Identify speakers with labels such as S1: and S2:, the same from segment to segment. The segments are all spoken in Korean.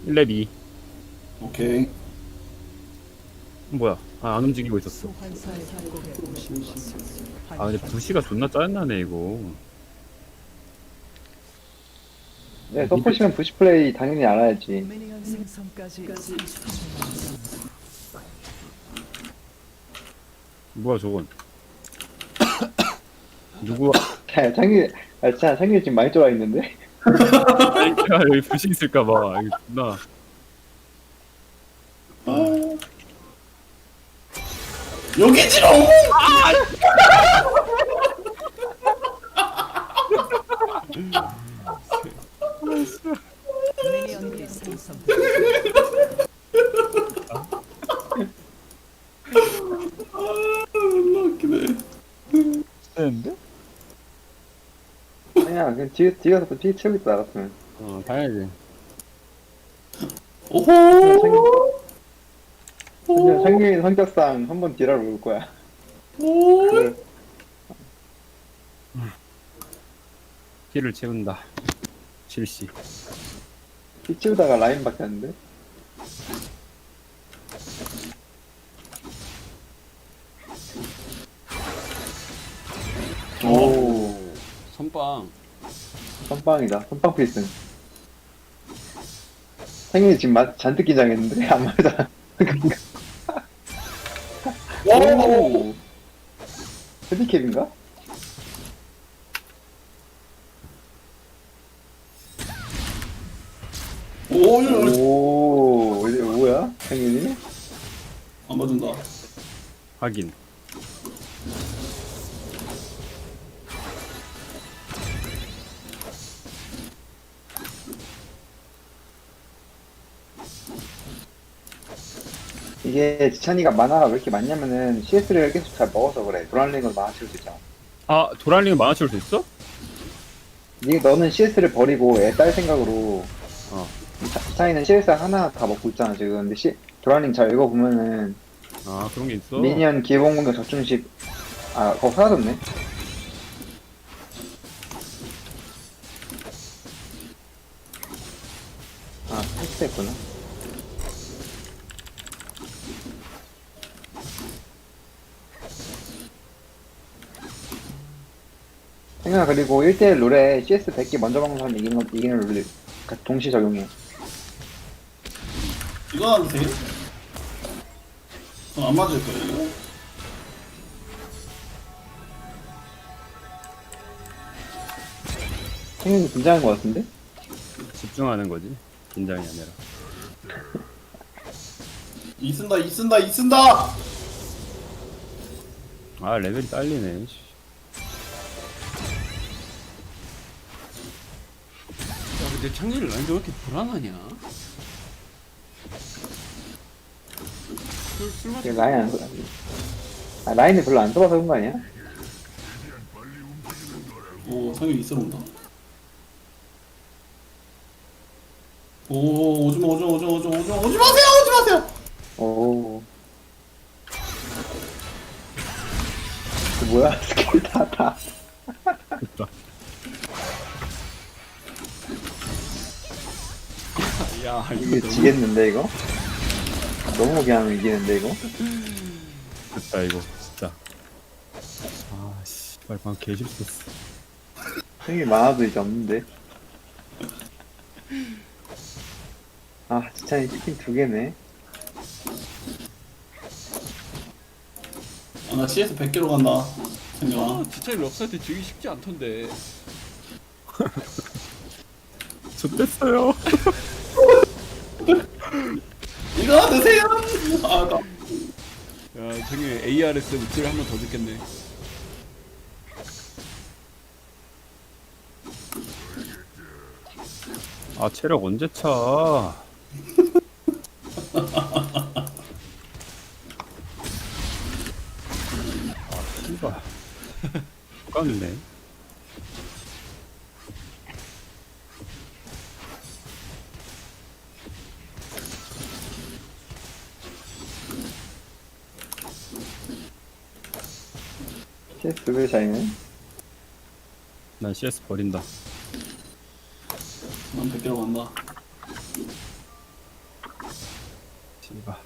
S1: 1렙 2.
S2: 오케이.
S1: 뭐야? 아, 안 움직이고 있었어. 아, 근데 부시가 존나 짜증나네, 이거.
S3: 네, 서포시면 부시 플레이 당연히 알아야지.
S4: 미니언 생성까지 30초.
S1: 뭐야, 저건. 누구,
S3: 자, 창균이 지금 많이 쫄아 있는데?
S1: 내가 여기 부시 있을까봐. 이거 존나.
S2: 여기지롱!
S4: 미니언이 생성.
S2: 존나 웃기네.
S1: 되는데?
S3: 아니야, 그냥 뒤에서 또 피 채우고 있다, 알았으면.
S1: 당연하지.
S2: 오호!
S3: 창균이 성격상 한 번 딜하러 올 거야.
S2: 오!
S3: 그래.
S1: 피를 채운다. 실시.
S3: 피 채우다가 라인 바뀌었는데? 오,
S1: 선빵.
S3: 선빵이다. 선빵 필승. 창균이 지금 잔뜩 긴장했는데? 안 맞아. 오! 헤디캡인가?
S2: 오,
S3: 오, 이게 뭐야? 창균이?
S2: 안 맞은다.
S1: 확인.
S3: 이게 지찬이가 만화가 왜 이렇게 많냐면은 CS를 계속 잘 먹어서 그래. 도란링을 만화 채울 수 있잖아.
S1: 아, 도랄링은 만화치울 수 있어?
S3: 너는 CS를 버리고 애 딸 생각으로
S1: 어.
S3: 지찬이는 CS 하나 다 먹고 있잖아 지금. 근데 도란링 잘 읽어보면은
S1: 아, 그런 게 있어?
S3: 미니언 기본 공격 적중식 그거 사라졌네. 텍스트했구나. 생각 그리고 1대1 룰에 CS 100개 먼저 먹는 사람 이기는 룰 동시 적용해.
S2: 이거 하도 돼? 안 맞을 거야, 이거?
S3: 생각이 긴장한 것 같은데?
S1: 집중하는 거지. 긴장이 아니라.
S2: 이 쓴다, 이 쓴다, 이 쓴다!
S1: 아, 레벨이 딸리네. 씨.
S5: 야, 근데 창렬이 라인도 왜 이렇게 불안하냐? 술
S3: 이게
S5: 마시고
S3: 라인을 별로 안 써봐서 그런 거 아니야?
S2: 오, 상윤이 있으러 온다. 오, 오지마, 오지마, 오지마, 오지마, 오지마, 오지 마세요, 오지 마세요!
S3: 오. 그 뭐야? 스킬 다.
S1: 됐다.
S5: 야,
S3: 이게
S5: 이거 너무
S3: 지겠는데, 이거? 너무 그냥 이기는데, 이거?
S1: 됐다, 이거. 진짜. 아, 씨. 발방 개실수했어.
S3: 생이 많아도 이제 없는데. 지찬이 치킨 2개네.
S2: 아, 나 CS 100개로 간다. 상윤아.
S5: 진짜 이 럽사이트 주기 쉽지 않던데.
S1: 좋댔어요.
S2: 이거 드세요! 아, 나.
S5: 야, 저기 ARS 우측을 한 번 더 듣겠네.
S1: 아, 체력 언제 차? 아, 씨발. 깜네.
S3: CS 2배 차이네.
S1: 난 CS 버린다.
S2: 난 100개로 간다.
S1: 씨발.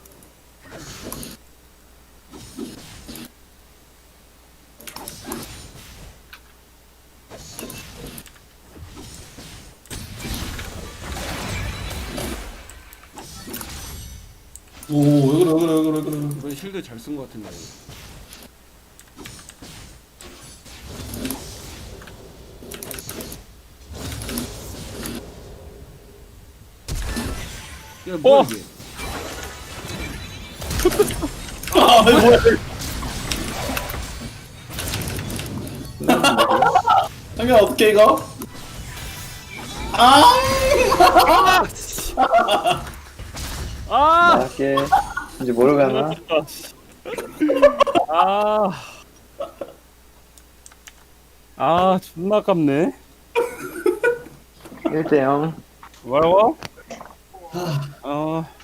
S2: 오, 왜 그래, 왜 그래, 왜 그래, 왜 그래.
S5: 이번에 실드 잘 쓴 것 같은데. 야 뭐야 이게?
S2: 아, 이거 뭐야. 상현아, 어떡해, 이거? 아!
S1: 아!
S3: 나갈게. 이제 모르고 하나?
S1: 아. 아, 존나 아깝네.
S3: 1대0.
S1: 뭐라고? 아.